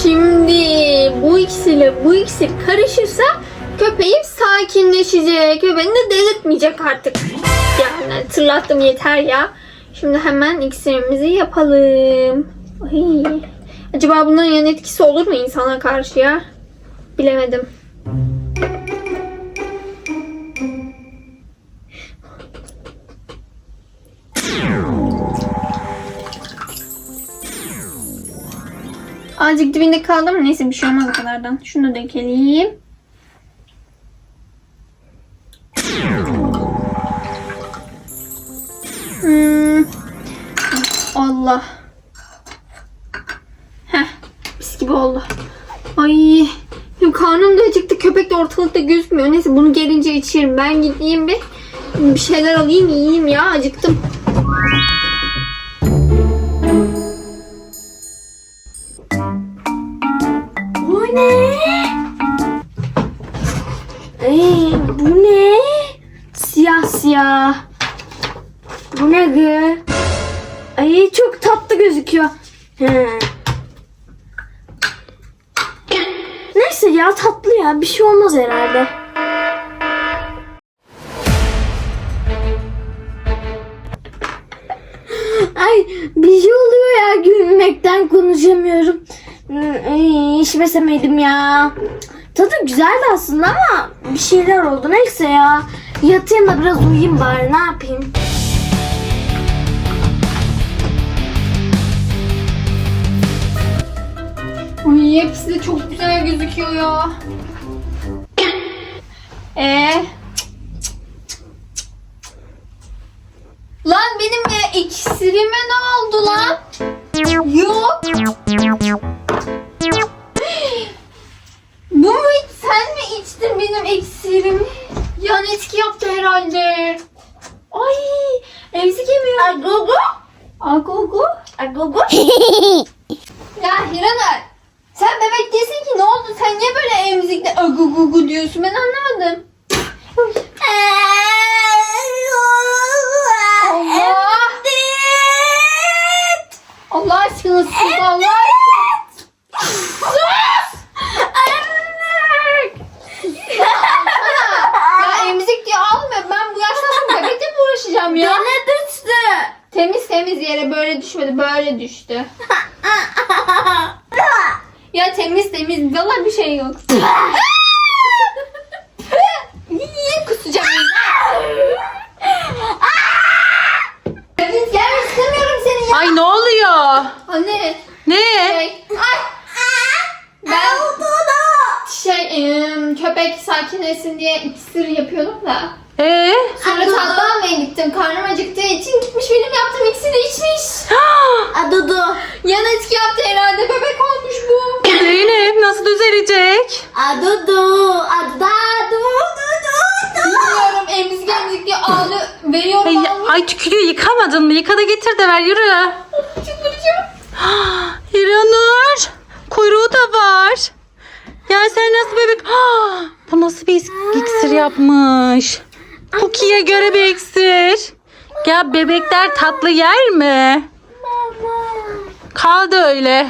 Şimdi bu ikisiyle bu iksir karışırsa köpeğim sakinleşecek ve beni de delirtmeyecek artık. Yani tırlattım yeter ya. Şimdi hemen iksirimizi yapalım. Ay. Acaba bunların yan etkisi olur mu insana karşı ya? Bilemedim. Azıcık dibinde kaldı ama neyse bir şey olmaz o kadardan. Şunu dökelim. Allah. Heh, mis gibi oldu. Ay, karnım da acıktı. Köpek de ortalıkta gözükmüyor. Neyse bunu gelince içerim. Ben gideyim bir şeyler alayım yiyeyim ya. Acıktım. Bu ne? Bu ne? Siyah siyah. Bu ne gı? Ay çok tatlı gözüküyor. Neyse ya tatlı ya bir şey olmaz herhalde. Ay bir şey oluyor ya gülmekten konuşamıyorum. Ay, içmesemeydim ya. Tadı güzeldi aslında ama bir şeyler oldu. Neyse ya. Yatayım da biraz uyuyayım bari. Ne yapayım? Ay, hepsi de çok güzel gözüküyor ya. Lan benim iksirime ne oldu lan? Yok. Bu mu? Sen mi içtin benim iksirimi? Yan etki yaptı herhalde. Ay, emzik yemiyor. Agogo. Agogo. Agogo. Ya Hiranur, sen bebek değilsin ki, ne oldu? Sen niye böyle emzikle agugugu diyorsun? Ben anlamadım. Allah! Allah aşkına sus, Allah aşkına. Sus! Ya emzik diye almıyor. Ben bu yaştan sonra bebekle mi uğraşacağım ya? Ne düştü? Temiz yere böyle düşmedi, böyle düştü. Ya temiz. Vallahi bir şey yok. Niye kusacağım? Gelmek istemiyorum seni ya. Ay ne oluyor? Anne. Ne? Ben köpek sakinleşsin diye iksir yapıyordum da. Sonra tatlı almaya gittim. Karnım acıktığı için gitmiş benim yaptığım iksiri içmiş. Adudu. Yan etki yaptı herhalde. Bebek olmuş bu. Zeynep nasıl düzelecek? Adudu. Bilmiyorum, emzik diye ağlı veriyorum. Ay tükürüyor, yıkamadın mı? Yıka da getir de ver, yürü. Çıldıracağım. Hiranur, kuyruğu da var. Ya sen nasıl bebek? Bu nasıl bir iksir yapmış? Cookie'ye göre bir iksir. Ya bebekler tatlı yer mi? Kaldı öyle.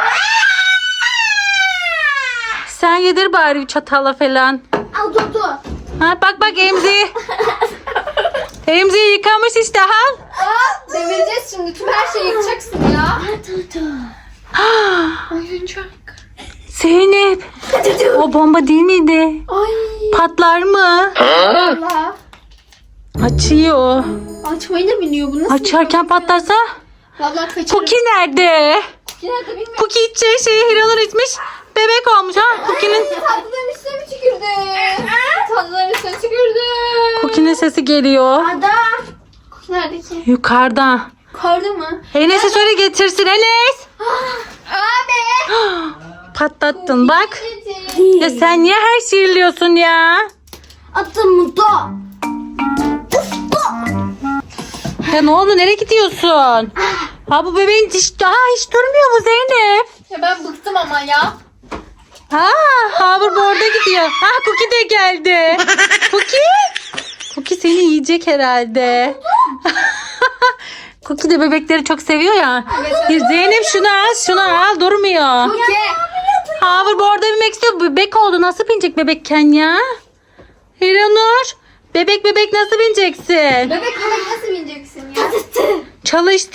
Sen yedir bari bir çatalla falan. Adudu. Ha, bak emzi. Emzi yıkamış işte, al. Devireceğiz şimdi. Tüm her şeyi yıkacaksın ya. Adudu. Oyuncak. Zeynep. O bomba değil miydi? Ay. Patlar mı? Allah. Açıyor. Açmayı da biliyor. Bu nasıl? Açarken patlarsa? Vallahi kaçırırım. Cookie nerede? Nerede bilmiyorum. Cookie içeceği şeyi Hiranur içmiş. Bebek olmuş ha. Cookie'nin Tatlıların üstüne mi tükürdü? Tatlıların üstüne tükürdü. Cookie'nin sesi geliyor. Ada. Nerede ki? Yukarıda. Kardı mı? Enes'e söyle getirsin Enes. Abi. Patlattın bak. Getir. Ya sen niye her şeyi yiyorsun ya? Adudu. Ya ne oldu, nereye gidiyorsun? Ha bu bebeğin hiç durmuyor mu Zeynep? Ya ben bıktım ama ya. Havur bu orada gidiyor. Cookie de geldi. Cookie seni yiyecek herhalde. Cookie de bebekleri çok seviyor ya. Evet. Zeynep şunu al durmuyor. Cookie. Hoverboard'a binmek istiyor. Bebek oldu. Nasıl binecek bebekken ya? Hiranur. Bebek nasıl bineceksin? Bebek nasıl bineceksin ya? Çalıştı.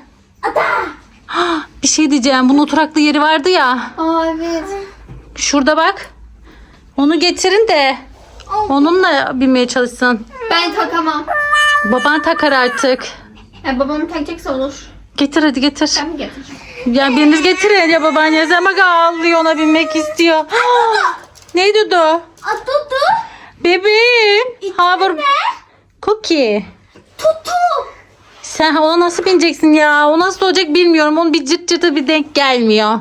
Bir şey diyeceğim. Bunun oturaklı yeri vardı ya. Aa evet. Şurada bak. Onu getirin de onunla binmeye çalışsın. Ben takamam. Baban takar artık. Babam takacaksa olur. Getir hadi getir. Ben mi getireceğim? Ya biriniz getirin ya babaannesi bak ağlıyor ona binmek istiyor. Neydi o? Tutu. Bebeğim. Hover. Cookie. Tutu. Sen ona nasıl bineceksin ya? O nasıl olacak bilmiyorum. Onun bir cırt cırtı bir denk gelmiyor.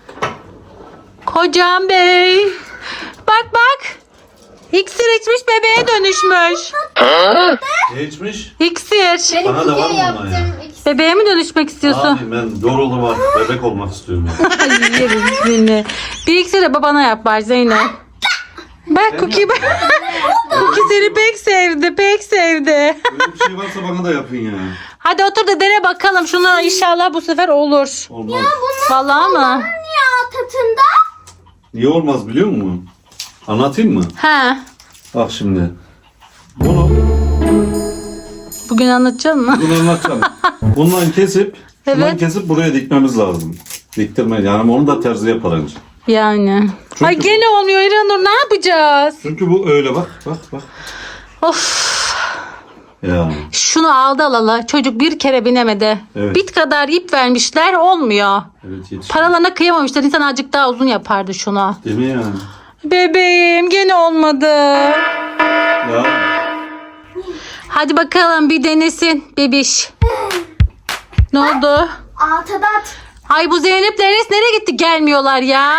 Kocam bey. Bak. İksir içmiş bebeğe dönüşmüş. Ne içmiş? İksir. Benim Bana da var kukiye mı yaptım. ondan ya? Bebeğe mi dönüşmek istiyorsun? Abi ben doğrulu var. Bebek olmak istiyorum. Ay yeriz seni. Bir iksir de babana yap bari Zeynep. Bak Cookie bak. Cookie seni pek sevdi. Öyle bir şey varsa bana da yapın ya. Hadi otur da dene bakalım. Şunu inşallah bu sefer olur. Olmaz. Vallahi mı? Ya tatında. Niye olmaz biliyor musun? Anlatayım mı? Ha. Bak şimdi. Bunu Bugün anlatacak mı? anlatacağım. Bundan kesip Evet. buraya dikmemiz lazım. Diktirme yani onu da terzi yapar önce. Yani. Çünkü- Ay gene olmuyor İranur. Ne yapacağız? Çünkü bu öyle bak. Of. Ya. Şunu aldı alalı. Çocuk bir kere binemedi. Evet. Bit kadar ip vermişler. Olmuyor. Evet yetiş. Paralarına kıyamamışlar. İnsan azıcık daha uzun yapardı şunu. Değil mi yani? Bebeğim gene olmadı. Ya. Hadi bakalım bir denesin bebiş. Ne oldu? Tadat. Ay bu Zeynep'le Enes nereye gitti? Gelmiyorlar ya.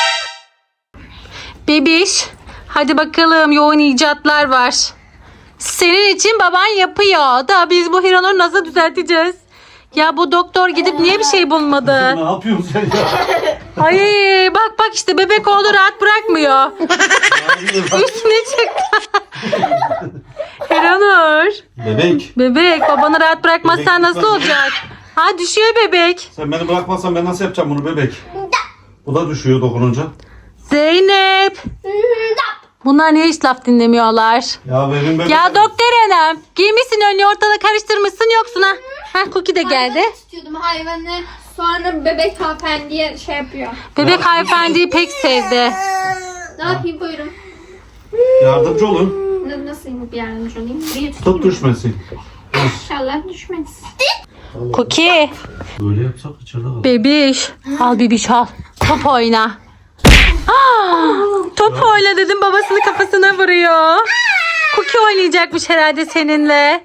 Bebiş. Hadi bakalım yoğun icatlar var. Senin için baban yapıyor. Da biz bu Hiranur'u nasıl düzelteceğiz? Ya bu doktor gidip niye bir şey bulmadı? Ne yapıyorsun sen ya? Ay bak işte bebek oldu rahat bırakmıyor. Üstüne çıktı. Hiranur. Bebek. Bebek babanı rahat bırakmazsan Bebek nasıl lütfen. olacak? Ha düşüyor bebek. Sen beni bırakmazsan ben nasıl yapacağım bunu bebek? Bu da düşüyor dokununca. Zeynep. Bunlar niye hiç laf dinlemiyorlar? Ya benim bebek. Ya doktor hanım giymişsin önlüğü ortada karıştırmışsın yoksun ha. Ha Cookie de geldi. İstiyordum hayvanı. Sonra bebek hanımefendiye şey yapıyor. Bebek hanımefendiyi pek sevdi. Ne yapayım buyurun. Yardımcı olun. Nasıl bir yardımcı olayım? Buraya Tut tutayım. düşmesin. İnşallah düşmez. Cookie. Böyle yapsak içeride kalır. Bebiş. Al bebiş al. Top oyna. Top oyna dedim babasını kafasına vuruyor. Cookie oynayacakmış herhalde seninle.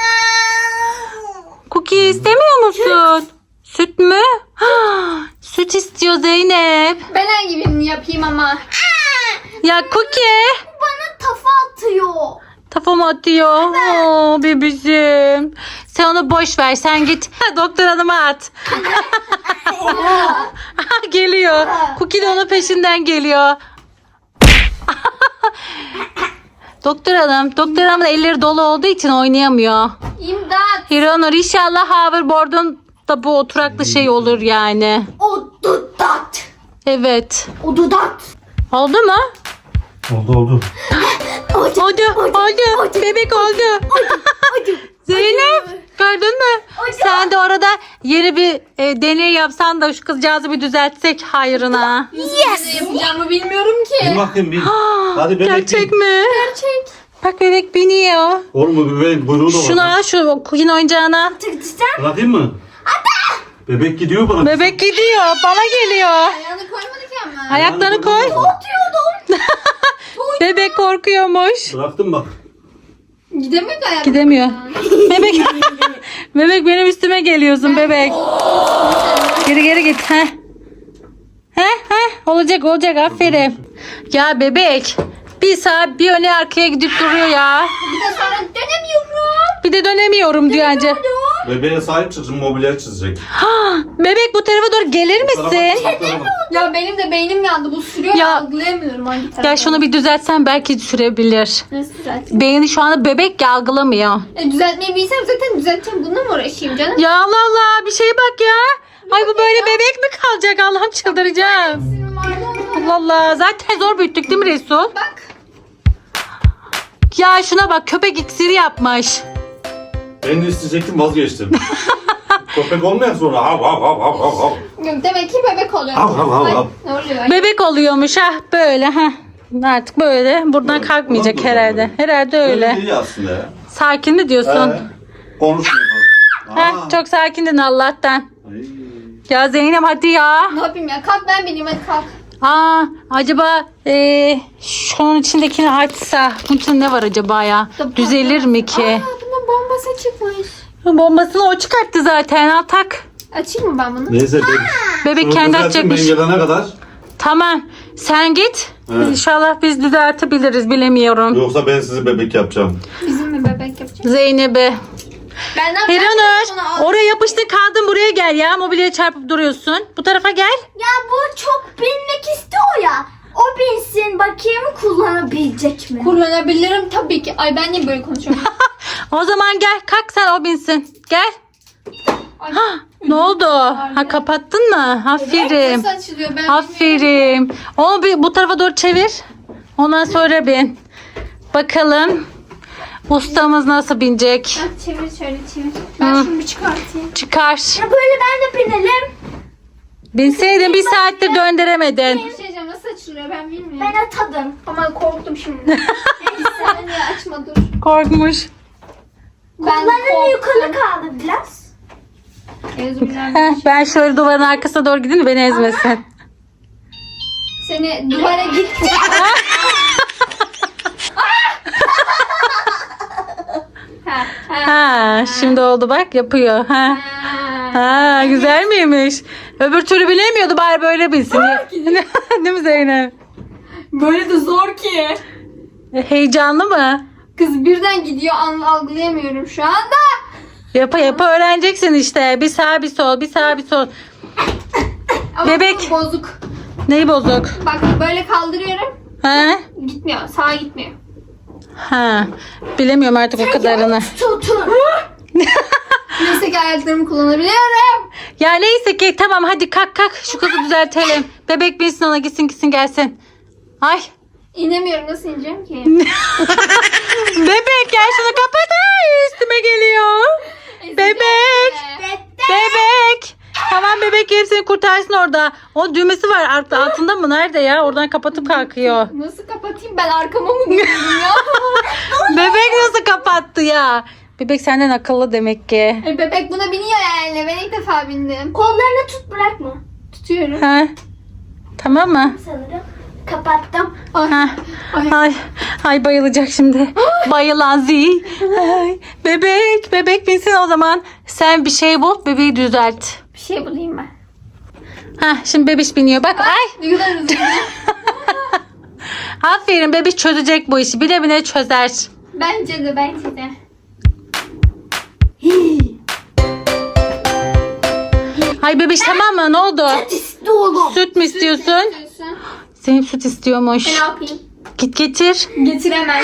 Cookie istemiyor musun? Süt mü? Süt istiyor Zeynep. Ben hangibini yapayım ama. Ya Cookie. Bana tafa atıyor. Kafama atıyor. Oo, bebişim. Sen onu boş ver. Sen git. Doktor hanıma at. Geliyor. Cookie de onun peşinden geliyor. Doktor hanım da elleri dolu olduğu için oynayamıyor. İmdat. Hiranur inşallah hoverboard'un da bu oturaklı şey olur yani. O dudat. Evet. O dudat. Oldu mu? Oldu. Oldu. Bebek oldu. Zeynep gördün mü? Sen de orada yeni bir deney yapsan da şu kızcağızı bir düzeltsek hayrına. Ne yapacağımı bilmiyorum Bin ki. bakayım bin. Hadi bebek Gerçek bin. mi? Gerçek. Bak bebek biniyor. Olur mu bebeğin buyruğu da var. Şuna şu Cookie'nin oyuncağına. Bırakayım mı? Bebek gidiyor bana. Bebek gidiyor. Bana geliyor. Ayağını koymadı ki ama. Ayaklarını koy. Bebek korkuyormuş. Bıraktım bak. Gidemiyor da ayak. Gidemiyor. Bebek. Bebek benim üstüme geliyorsun bebek. Geri git. Olacak aferin. Ya bebek. Bir saat bir öne arkaya gidip duruyor ya. Bir de sonra dönemiyorum. Bir de dönemiyorum diyor anca. Bebeğe sahip çıksın mobilya çizecek. Bebek bu tarafa doğru gelir misin? Ya benim de beynim yandı. Bu sürüyor Ya- ya. Algılayamıyorum hangi tarafa. Ya şunu bir düzeltsen belki sürebilir. Nasıl düzelteyim? Beyni şu anda bebek ya algılamıyor. Düzeltmeyi bilsem zaten düzelteceğim. Bununla mı uğraşayım canım? Ya Allah Allah bir şeye bak ya. Ay bu böyle bebek mi kalacak Allah'ım çıldıracağım. Sinirim vardı onu Allah Allah. Zaten zor büyüttük değil mi Resul? Bak. Ya şuna bak, köpek iksiri yapmış. Ben de isteyecektim, vazgeçtim. Köpek olmayan sonra hav hav hav hav hav hav. Demek ki bebek oluyor. Hav hav hav Ay, hav. ne oluyor? Bebek oluyormuş ha böyle ha. Artık böyle buradan kalkmayacak herhalde. Herhalde öyle. Öyle iyi aslında ya. Sakin mi diyorsun? Konuşmuyor. Heh, çok sakindin Allah'tan. Ay. Ya Zeynep hadi ya. Ne yapayım ya? Kalk ben bineyim hadi kalk. Acaba şunun içindekini açsa bunun içinde ne var acaba ya? Düzelir mi ki? Bunun bombası çıkmış. Bombasını o çıkarttı zaten. Al tak. Açayım mı ben bunu? Neyse Bebek Bunu kendi düzeltin, açacakmış. Ben gelene kadar. Tamam. Sen git. Evet. İnşallah biz düzeltebiliriz. Bilemiyorum. Yoksa ben sizi bebek yapacağım. Bizim mi bebek yapacak? Zeynep'e. Ben ne yapacağım? Hiranur. Oraya yapıştın kaldın, buraya gel ya. Mobilyaya çarpıp duruyorsun. Bu tarafa gel. Ya bu çok binmek istiyor ya. O binsin bakayım kullanabilecek mi? Kullanabilirim tabii ki. Ay ben niye böyle konuşuyorum? O zaman gel. Kalk sen, o binsin. Gel. Ay, Ne oldu? Ha, kapattın mı? Aferin. nasıl açılıyor? Ben bilmiyorum. Aferin. Onu bir bu tarafa doğru çevir. Ondan sonra bin. Bakalım ustamız nasıl binecek? Ha, çevir şöyle çevir. Ben şunu bir çıkartayım. Çıkar. Ya böyle ben de binelim. Binseydin bir saatte döndüremedin. Bir şey diyeceğim nasıl açılıyor ben bilmiyorum. Ben atadım. Ama korktum şimdi. Sen niye açma dur. Korkmuş. Ben Kolların yukarı korktum. kaldı biraz. Ben şöyle duvarın arkasına doğru gideyim de beni ezmesin. Seni duvara git. Ha, şimdi oldu bak, yapıyor. Ha. Ha, güzel miymiş? Öbür türlü bilemiyordu, bari böyle bilsin. Değil mi Zeynep? Böyle de zor ki. Heyecanlı mı? Kız birden gidiyor algılayamıyorum şu anda. Yapa yapa öğreneceksin işte. Bir sağ bir sol, bir sağ bir sol. Ama Bebek. bu bozuk. Neyi bozuk? Bak böyle kaldırıyorum. Ha? Gitmiyor. Sağa gitmiyor. Ha. Bilemiyorum artık o kadarını. Tutun. Neyse ki ayaklarımı kullanabiliyorum. Ya neyse ki tamam, hadi kalk kalk, şu kızı düzeltelim. Bebek binsin, ona gitsin gelsin. Ay. İnemiyorum. Nasıl ineceğim ki? Bebek gel şunu kapat. Ay, üstüme geliyor. Bebek. Bebek. Tamam, bebek gelip seni kurtarsın orada. O düğmesi var altında mı? Nerede ya? Oradan kapatıp kalkıyor. Nasıl kapatayım? Ben arkama mı gidiyorum ya? Bebek nasıl kapattı ya? Bebek senden akıllı demek ki. Bebek buna biniyor yani. Ben ilk defa bindim. Kollarını tut bırakma. Tutuyorum. Ha? Tamam mı? Sanırım. Kapattım. Ha. Ay, ay bayılacak şimdi. Bayılan Zi. Ay, bebek binsin o zaman. Sen bir şey bul, bebeği düzelt. Bir şey bulayım ben. Ha, şimdi bebiş biniyor. Bak ay. Ne kadar hızlı. Aferin, bebiş çözecek bu işi. Bile bile çözer. Bence de. Ay bebiş tamam mı? Ne oldu? İstiyorum. Süt mü istiyorsun? Zeynep süt istiyormuş. Ne yapayım? Git getir. Getiremem.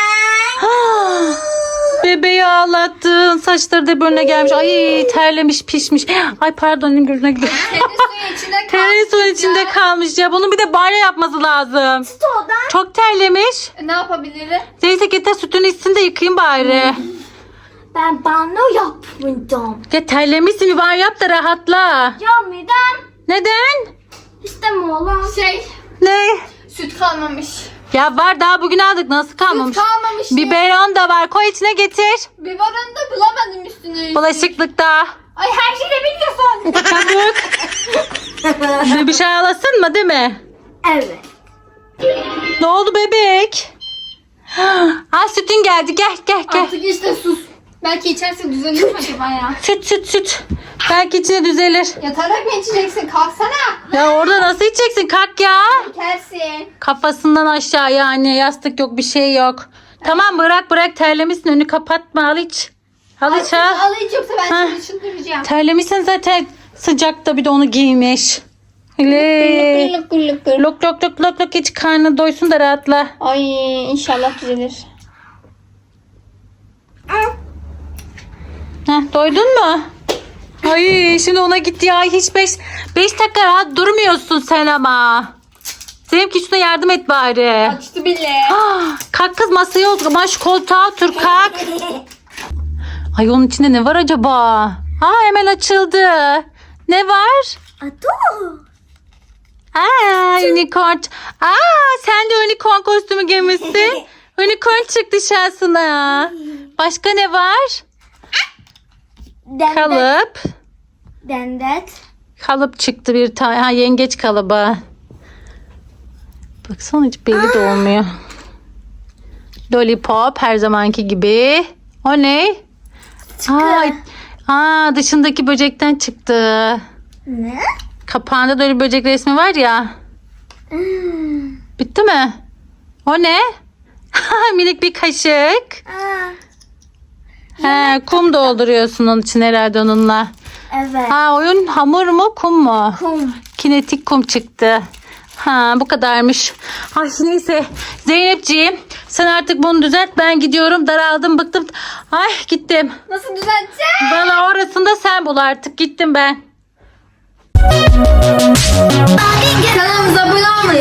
Bebeği ağlattın. Saçları da bölüne gelmiş. Ay terlemiş, pişmiş. Ay pardon, elim gözüne gidiyor. Tenis suyun içinde kalmış. Tereyağı suyun içinde kalmış ya. Bunun bir de banyo yapması lazım. Stodan. Çok terlemiş. Ne yapabilirim? Neyse getir sütünü içsin de yıkayayım bari. Ben banyo yapmayacağım. Ya terlemişsin, bir banyo yap da rahatla. Ya midem. Neden? İstemiyorum. Ne? Süt kalmamış. Ya var, daha bugün aldık, nasıl kalmamış? Süt kalmamış. Biberon da var, koy içine getir. Biberon'u da bulamadım üstüne. Bulaşıklıkta. Ay her şeyi de biliyorsun. Çabuk. Bebiş ağlasın mı değil mi? Evet. Ne oldu bebek? Ha, sütün geldi, gel. Artık işte sus. Belki içerse düzelir mi acaba ya? Süt. Belki içine düzelir. Yatarak mı içeceksin? Kalksana. Ya orada nasıl içeceksin? Kalk ya. İçersin. Kafasından aşağı yani, yastık yok, bir şey yok. Tamam, bırak terlemişsin, önünü kapatma, al iç. Al iç ha. Al hiç yoksa ben Ha. seni çıldıracağım. Terlemişsin zaten, sıcakta bir de onu giymiş. Öyle. Gırlık. Lok iç, karnı doysun da rahatla. Ay inşallah düzelir. Heh, doydun mu? Ay şimdi ona git ya, hiç 5 dakika rahat durmuyorsun sen ama. Zeynep git şuna yardım et bari. Açtı bile. Kalk kız masaya otur. Aman şu koltuğa otur kalk. Ay onun içinde ne var acaba? Hemen açıldı. Ne var? Unicorn. Sen de unicorn kostümü giymişsin. Unicorn çıktı şansına. Başka ne var? Kalıp. Dendet. Kalıp çıktı bir tane. Yengeç kalıbı. Baksana hiç belli de olmuyor. Lollipop her zamanki gibi. O ne? Dışındaki böcekten çıktı. Ne? Kapağında da öyle bir böcek resmi var ya. Bitti mi? O ne? Minik bir kaşık. Kum dolduruyorsun onun için herhalde onunla. Evet. Oyun hamur mu kum mu? Kum. Kinetik kum çıktı. Bu kadarmış. Neyse Zeynepciğim sen artık bunu düzelt, ben gidiyorum, daraldım, bıktım. Gittim. Nasıl düzelteceğim? Bana orasında sen bul artık, gittim ben. Kanalımıza abone olmayı,